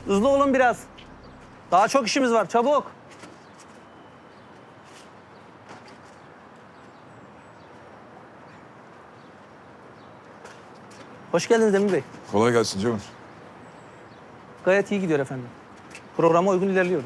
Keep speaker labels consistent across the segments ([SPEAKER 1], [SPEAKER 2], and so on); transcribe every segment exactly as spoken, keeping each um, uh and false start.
[SPEAKER 1] Hızlı olun biraz. Daha çok işimiz var, çabuk. Hoş geldiniz Demir Bey.
[SPEAKER 2] Kolay gelsin Ceyhun.
[SPEAKER 1] Gayet iyi gidiyor efendim. Programa uygun ilerliyoruz.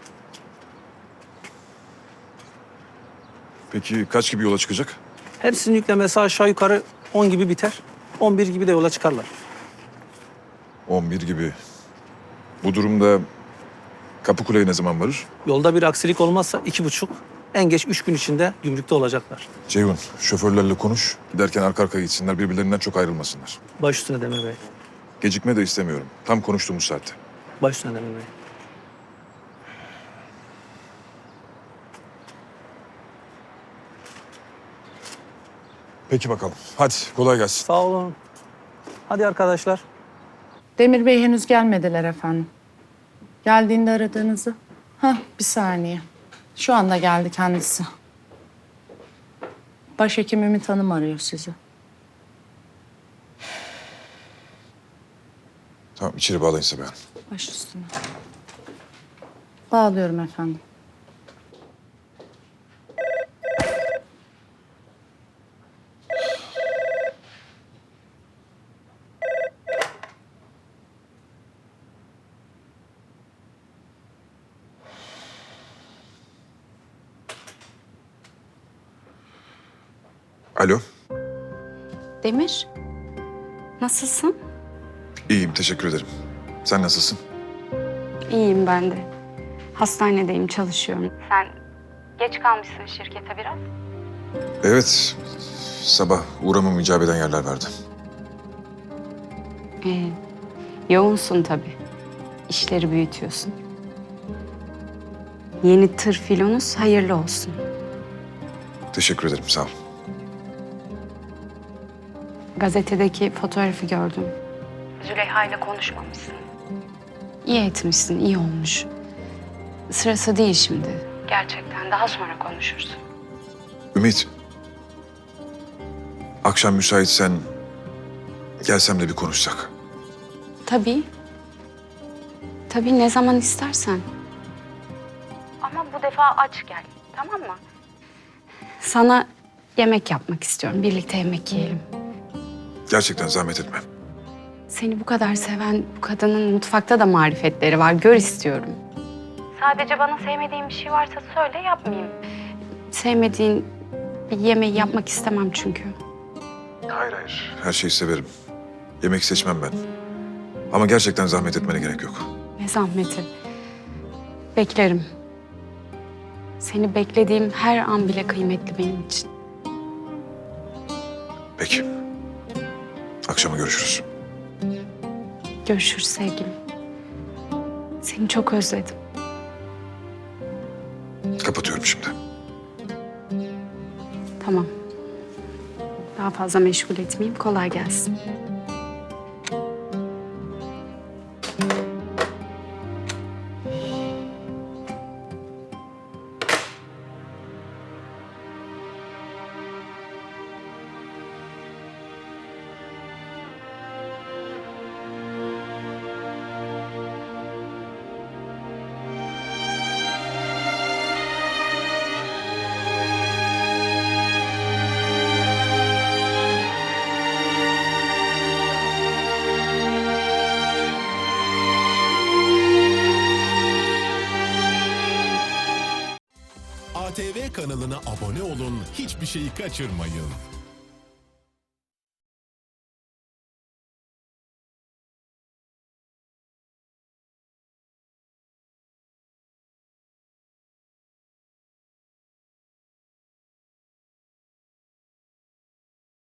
[SPEAKER 2] Peki kaç gibi yola çıkacak?
[SPEAKER 1] Hepsinin yüklemesi aşağı yukarı on gibi biter. on bir gibi de yola çıkarlar.
[SPEAKER 2] on bir gibi. Bu durumda Kapıkule'ye ne zaman varır?
[SPEAKER 1] Yolda bir aksilik olmazsa iki buçuk, en geç üç gün içinde gümrükte olacaklar.
[SPEAKER 2] Ceyhun, şoförlerle konuş. Giderken arka arkaya gitsinler, birbirlerinden çok ayrılmasınlar.
[SPEAKER 1] Baş üstüne Demir Bey.
[SPEAKER 2] Gecikme de istemiyorum. Tam konuştuğumuz saatte.
[SPEAKER 1] Baş üstüne Demir Bey.
[SPEAKER 2] Peki bakalım. Hadi kolay gelsin.
[SPEAKER 1] Sağ olun. Hadi arkadaşlar.
[SPEAKER 3] Demir Bey henüz gelmediler efendim. Geldiğinde aradığınızı. Hah, bir saniye. Şu anda geldi kendisi. Başhekim Ümit Hanım arıyor sizi.
[SPEAKER 2] Tamam, içeri bağlayın Sabiha Hanım.
[SPEAKER 3] Baş üstüne. Bağlıyorum efendim.
[SPEAKER 2] Alo.
[SPEAKER 4] Demir, nasılsın?
[SPEAKER 2] İyiyim, teşekkür ederim. Sen nasılsın?
[SPEAKER 4] İyiyim ben de. Hastanedeyim, çalışıyorum. Sen geç kalmışsın şirkete biraz.
[SPEAKER 2] Evet, sabah uğramam icap eden yerler vardı.
[SPEAKER 4] Ee, yoğunsun tabii. İşleri büyütüyorsun. Yeni tır filonuz hayırlı olsun.
[SPEAKER 2] Teşekkür ederim, sağ ol.
[SPEAKER 4] Gazetedeki fotoğrafı gördüm. Züleyha ile konuşmamışsın. İyi etmişsin, iyi olmuş. Sırası değil şimdi. Gerçekten daha sonra konuşursun.
[SPEAKER 2] Ümit, akşam müsaitsen gelsem de bir konuşsak.
[SPEAKER 4] Tabii. Tabii ne zaman istersen. Ama bu defa aç gel, tamam mı? Sana yemek yapmak istiyorum. Birlikte yemek yiyelim.
[SPEAKER 2] Gerçekten zahmet etme.
[SPEAKER 4] Seni bu kadar seven bu kadının mutfakta da marifetleri var. Gör istiyorum. Sadece bana sevmediğin bir şey varsa söyle, yapmayayım. Sevmediğin bir yemeği yapmak istemem çünkü.
[SPEAKER 2] Hayır hayır. Her şeyi severim. Yemek seçmem ben. Ama gerçekten zahmet etmene gerek yok.
[SPEAKER 4] Ne zahmeti. Beklerim. Seni beklediğim her an bile kıymetli benim için.
[SPEAKER 2] Peki. Akşama görüşürüz.
[SPEAKER 4] Görüşürüz sevgilim. Seni çok özledim.
[SPEAKER 2] Kapatıyorum şimdi.
[SPEAKER 4] Tamam. Daha fazla meşgul etmeyeyim. Kolay gelsin.
[SPEAKER 5] A T V kanalına abone olun, hiçbir şeyi kaçırmayın.